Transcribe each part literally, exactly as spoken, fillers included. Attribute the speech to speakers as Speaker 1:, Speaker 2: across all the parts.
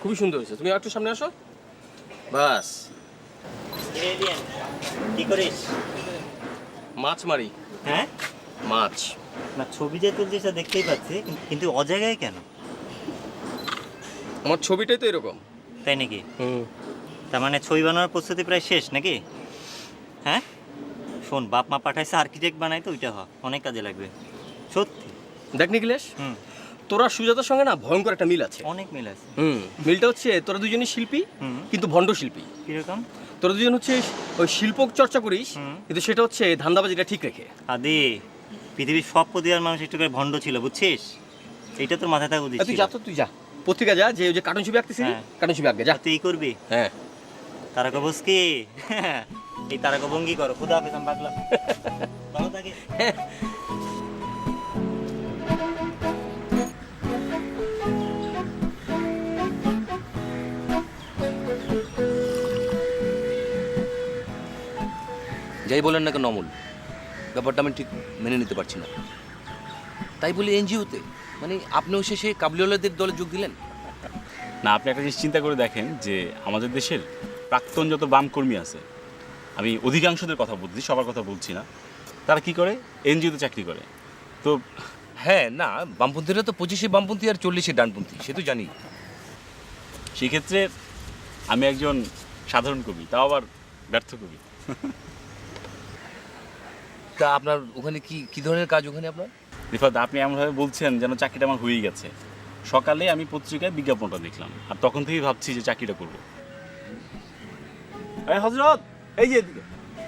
Speaker 1: খুবই সুন্দর হয়েছে। তুমি একটু সামনে আসো। বাস।
Speaker 2: কি করিস?
Speaker 1: মাছ মারি।
Speaker 2: হ্যাঁ,
Speaker 1: মাছ।
Speaker 2: না ছবি যে তুলছিস তা দেখতেই পাচ্ছি, কিন্তু অজায়গায় কেন?
Speaker 1: আমার ছবিটাই তো এরকম।
Speaker 2: তাই নাকি?
Speaker 1: হুম।
Speaker 2: তার মানে ছবি বানানোর প্রস্তুতি প্রায় শেষ নাকি? হ্যাঁ, শোন, বাপ মা পাঠাইছে আর্কিটেক্ট বানাইতে, ওইটা হ, অনেক কাজে লাগবে সত্যি।
Speaker 1: দেখ নিখিলেশ,
Speaker 2: হুম,
Speaker 1: তোরা সুজাতার সঙ্গে না ভয়ঙ্কর একটা মিল আছে।
Speaker 2: অনেক মিল আছে।
Speaker 1: হুম, মিলটা হচ্ছে তোরা দুজনই শিল্পী,
Speaker 2: হুম,
Speaker 1: কিন্তু ভণ্ড শিল্পী।
Speaker 2: কিরকম?
Speaker 1: তোরা দুজন হচ্ছে ওই শিল্প চর্চা করিস,
Speaker 2: হুম।
Speaker 1: কিন্তু সেটা হচ্ছে ধান্দাবাজিটা ঠিক রেখে।
Speaker 2: আদি, পৃথিবীর সব প্রতিভার মানুষ একটু করে ভণ্ড ছিল, বুঝছিস? এইটা তোর মাথায় থাকা উচিত
Speaker 1: তুই
Speaker 2: ছিল।
Speaker 1: যা তো, তুই যা পত্রিকা যা, যে ওই যে কার্টুন ছবি আঁকতেছিস,
Speaker 2: হ্যাঁ।
Speaker 1: কার্টুন ছবি আঁকবে যা।
Speaker 2: তুই এই করবি?
Speaker 1: হ্যাঁ।
Speaker 2: তারকা বোস কি? এই তারকা ভঙ্গি করো। খুদা হাফেজ, আমি বাগলাম। ভালো থাকে।
Speaker 3: যাই বলেন না কেন অমল, ব্যাপারটা আমি ঠিক মেনে নিতে পারছি না। তাই বলি এনজিওতে, মানে আপনিও শেষে কাবলিওয়ালাদের দলে যোগ দিলেন?
Speaker 4: না, আপনি একটা জিনিস চিন্তা করে দেখেন যে আমাদের দেশের প্রাক্তন যত বাম কর্মী আছে, আমি অধিকাংশদের কথা বলছি, সবার কথা বলছি না, তারা কি করে? এনজিওতে চাকরি করে। তো
Speaker 3: হ্যাঁ, না বামপন্থীরা তো পঁচিশে বামপন্থী আর চল্লিশে ডানপন্থী, সে তো জানি।
Speaker 4: সেই ক্ষেত্রে আমি একজন সাধারণ কবি, তাও আবার ব্যর্থ কবি।
Speaker 3: তা আপনার ওখানে কি কি ধরনের কাজ ওখানে আপনার?
Speaker 4: রিফাত, আপনি এমনভাবে বলছেন যেন চাকরিটা আমার হয়েই গেছে। সকালে আমি পত্রিকায় বিজ্ঞাপনটা দেখলাম, আর তখন থেকেই ভাবছি যে চাকরিটা করবো। এই হযরত, এই যে এদিকে।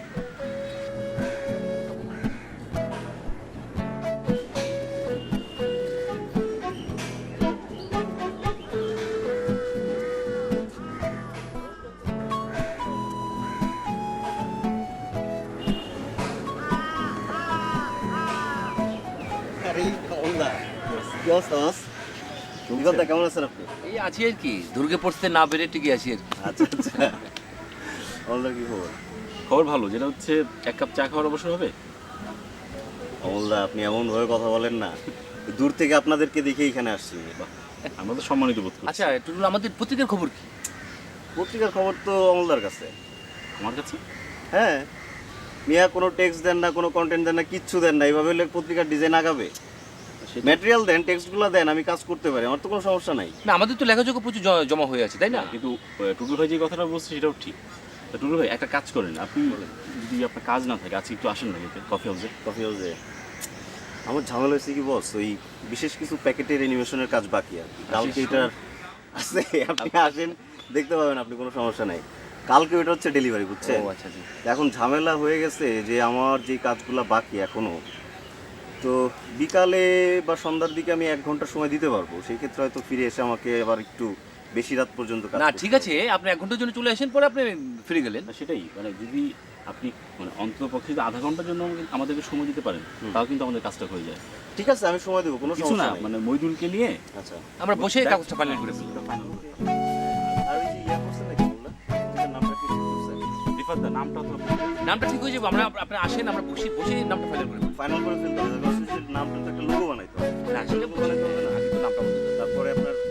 Speaker 2: কেমন আছেন আপনি?
Speaker 3: এই আছি আর কি, দুর্গে পড়তে না বেড়ে টিকে আছি আর কি।
Speaker 2: আচ্ছা আচ্ছা, অমলদার কি খবর?
Speaker 4: খবর ভালো, যেটা হচ্ছে এক কাপ চা খাওয়ার অবসর হবে।
Speaker 5: অমলদা, আপনি এমন ভাবে কথা বলেন না, দূর থেকে আপনাদেরকে দেখে এখানে আসছি।
Speaker 4: আমরা তো সম্মানিত বোধ করি।
Speaker 3: আচ্ছা টুটুল, আমাদের পত্রিকার খবর কি?
Speaker 5: পত্রিকার খবর তো অমলদার কাছে।
Speaker 4: আমার কাছে?
Speaker 5: হ্যাঁ, মিয়া কোনো টেক্সট দেন না, কোনো কন্টেন্ট দেন না, কিচ্ছু দেন না। এইভাবে হলে পত্রিকার ডিজাইন আগাবে? ম্যাটেরিয়াল দেন, টেক্সটগুলো দেন, আমি কাজ করতে পারি, আমার তো কোনো সমস্যা নাই।
Speaker 3: না, আমাদের তো লেখাযোগ্য প্রচুর জ- জমা হয়ে আছে, তাই না?
Speaker 4: কিন্তু আহ, টুটুল ভাই যে কথাটা বলছে সেটাও ঠিক। তা টুটুল ভাই একটা কাজ করেন, আপনি যদি আপনার কাজ না থাকে আজকে একটু আসেন না কফি হাউসে।
Speaker 5: কফি হাউসে আমার ঝামেলা হয়েছে কি বস, ওই বিশেষ কিছু প্যাকেটের অ্যানিমেশনের কাজ বাকি আর কি। কালকে এটার আছে, আপনি আসেন দেখতে পাবেন, আপনি কোনো সমস্যা নাই। কালকে ওইটা হচ্ছে ডেলিভারি, বুঝছেন?
Speaker 3: ও আচ্ছা আচ্ছা।
Speaker 5: এখন ঝামেলা হয়ে গেছে যে আমার যে কাজগুলো বাকি এখনো, তো বিকালে বা সন্ধ্যার দিকে আমি এক ঘন্টা সময় দিতে পারবো। সেই ক্ষেত্রে হয়তো ফিরে এসে আমাকে আবার একটু বেশি রাত পর্যন্ত কাজ
Speaker 3: না
Speaker 5: করতে
Speaker 3: ঠিক
Speaker 5: হবে।
Speaker 3: আছে, আপনি এক ঘন্টার জন্য চলে আসেন, পরে আপনি ফিরে গেলেন।
Speaker 4: না, সেটাই, মানে যদি আপনি মানে অন্তত পক্ষে যদি আধা ঘন্টার জন্য আমাকে- আমাদেরকে সময় দিতে পারেন, তাও কিন্তু আমাদের কাজটা হয়ে যায়।
Speaker 5: ঠিক আছে, আমি সময় দেবো, কোনো
Speaker 4: কিছু না,
Speaker 5: সমস্যা নেই।
Speaker 4: মানে মইদুলকে নিয়ে
Speaker 5: আচ্ছা,
Speaker 3: আমরা বসে কাগজটা ফাইনাল করে ফেলি।
Speaker 5: আর ওই যে ইয়া করছেন নাকি বললেন, ওটার নামটা কি ঠিক করছেন?
Speaker 4: রিফাত দা, নামটা তো
Speaker 3: নামটা ঠিক হয়ে যাবে, আমরা আপনি আসেন, আমরা বসে বসে নামটা ফাইনাল করে ফেলি।
Speaker 5: ফাইনাল করে ফেলতে হবে, নামটা তো একটা লোগো বানাইতে হবে।
Speaker 3: না সেটা বলে আগে তো নামটা বলতে হবে।
Speaker 5: তারপরে আপনার